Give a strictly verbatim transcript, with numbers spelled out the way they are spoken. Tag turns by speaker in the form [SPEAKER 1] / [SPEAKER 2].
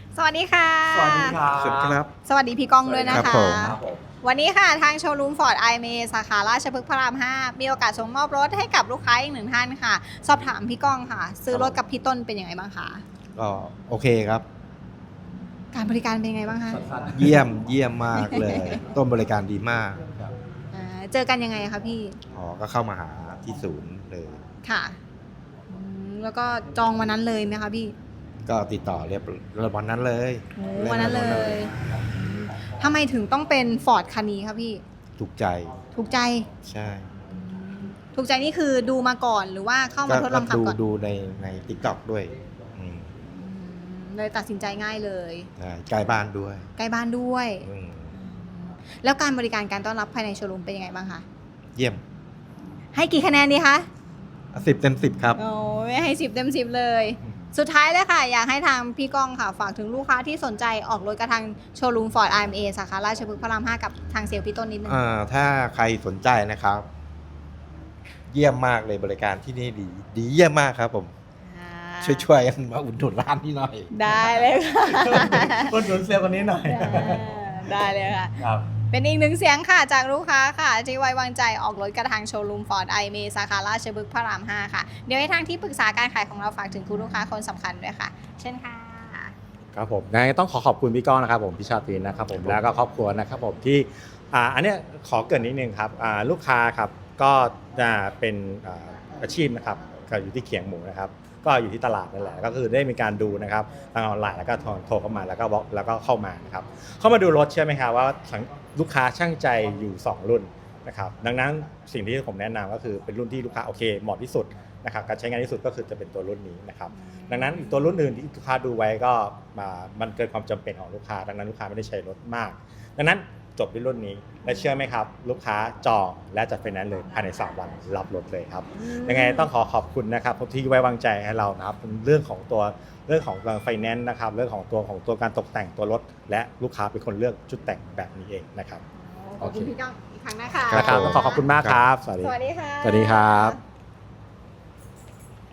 [SPEAKER 1] สวัสดีค่ะ
[SPEAKER 2] สวัสดีครับ
[SPEAKER 3] สวัสดีครับ
[SPEAKER 1] สวัสดีพี่ก้องด้วยนะ
[SPEAKER 3] ครั
[SPEAKER 1] คะ
[SPEAKER 3] บผม
[SPEAKER 2] ครับผม
[SPEAKER 1] วันนี้ค่ะทางโชว์รูมฟอร์ดไอเมสาขาราชพฤกษ์พระรามห้ามีโอกาสส่งมอบรถให้กับลูกค้าอีกหนึ่งท่านค่ะ สอบถามพี่ก้องค่ะ ซื้อรถกับพี่ต้นเป็นยังไงบ้างคะ
[SPEAKER 3] ก็โอเคครับ
[SPEAKER 1] การบริการเป็นยังไงบ้างคะ
[SPEAKER 2] สั้น
[SPEAKER 3] เยี่ยมเยี่ยมมากเลย ต้นบริการดีมาก
[SPEAKER 2] ๆครับ
[SPEAKER 1] อ่าเจอกันยังไงคะพี่
[SPEAKER 3] อ๋อก็เข้ามาหาที่ศูนย์เลย
[SPEAKER 1] ค่ะอืมแล้วก็จองวันนั้นเลยไหมคะพี่
[SPEAKER 3] ก็ติดต่อเรียบวันนั้นเลย
[SPEAKER 1] โอ้วันนั้นเลยทำไมถึงต้องเป็นฟอร์ดคันนี้คะพี่
[SPEAKER 3] ถูกใจ
[SPEAKER 1] ถูกใจ
[SPEAKER 3] ใช่
[SPEAKER 1] ถูกใจนี่คือดูมาก่อนหรือว่าเข้ามาทดลองขับ
[SPEAKER 3] ดู
[SPEAKER 1] ก่อน
[SPEAKER 3] ดูในในทิกตอกด้วยอืม
[SPEAKER 1] อืมเลยตัดสินใจง่ายเลย
[SPEAKER 3] ใช่ใกล้บ้านด้วย
[SPEAKER 1] ใกล้บ้านด้วย
[SPEAKER 3] อืม
[SPEAKER 1] แล้วการบริการการต้อนรับภายในโชว์รูมเป็นยังไงบ้างคะ
[SPEAKER 3] เยี่ยม
[SPEAKER 1] ให้กี่คะแนนดีคะ
[SPEAKER 3] สิบเต็มสิบครับ
[SPEAKER 1] โอ้ยให้สิบเต็มสิบเลย สุดท้ายเลยค่ะ อยากให้ทางพี่ก้องค่ะ ฝากถึงลูกค้าที่สนใจออกรถกับทางโชว์รูมฟอร์ด ไอ เอ็ม เอ สาขาราชพฤกษ์พระรามห้ากับทางเซลล์พี่ต้นนิดนึง
[SPEAKER 3] อ่าถ้าใครสนใจนะครับ เยี่ยมมากเลยบริการที่นี่ดี ดีเยี่ยมมากครับผม
[SPEAKER 1] อ่า
[SPEAKER 3] ช่วยๆกันมาอุดหนุนร้านที่หน่อย
[SPEAKER 1] ได้เลยค่ะ
[SPEAKER 2] คนหนุนเซลล์คนนี้หน่อย
[SPEAKER 1] ได้เลยค่ะ
[SPEAKER 2] ครับ
[SPEAKER 1] เป็นอีกหนึ่งเสียงค่ะจากลูกค้าค่ะที่ไว้วางใจออกรถกระทางโชว์รูมฟอร์ดไอเมสาขาราชพฤกษ์พระรามห้าค่ะ เดี๋ยวให้ทางที่ปรึกษาการขายของเราฝากถึงคุณลูกค้าคนสำคัญด้วยค่ะ เช่นค่ะ
[SPEAKER 4] ครับผมงั้นต้องขอขอบคุณพี่ก้องนะครับผมพี่ชาตรีนะครับผมแล้วก็ครอบครัวนะครับผมที่อ่าอันเนี้ยขอเกรินนิดนึงครับอ่าลูกค้าครับก็จะเป็นอ่าอาชีพนะครับก็อยู่ที่เขียงหมูนะครับก็อยู่ที่ตลาดนั่นแหละก็คือได้มีการดูนะครับทางออนไลน์แล้วก็โทรโทรเข้ามาแล้วก็บล็อกแล้วก็เข้ามานะครับเข้ามาดูรถเชื่อไหมครับว่าลูกค้าช่างใจอยู่สองรุ่นนะครับดังนั้นสิ่งที่ผมแนะนำก็คือเป็นรุ่นที่ลูกค้าโอเคเหมาะที่สุดนะครับการใช้งานที่สุดก็คือจะเป็นตัวรุ่นนี้นะครับดังนั้นอีกตัวรุ่นอื่นที่ลูกค้าดูไว้ก็มามันเกินความจำเป็นของลูกค้าดังนั้นลูกค้าไม่ได้ใช้รถมากดังนั้นจบด้วยรุ่นนี้และเชื่อไหมครับลูกค้าจองและจัดไฟแนนซ์เลยภายในสามวันรับรถเลยครับยังไงต้องขอขอบคุณนะครับที่ไว้วางใจให้เรานะครับเรื่องของตัวเรื่องของไฟแนนซ์นะครับเรื่องของตัวของตัวการตกแต่งตัวรถและลูกค้าเป็นคนเลือกชุดแต่งแบบนี้เองนะครับ
[SPEAKER 1] ขอบคุณพี่ก้องอีกครั้งนะคะ
[SPEAKER 4] นะครับต้องขอขอบคุณมากครับ สวัสดี
[SPEAKER 1] สวัสดีค่ะ
[SPEAKER 4] สวัสดีครับ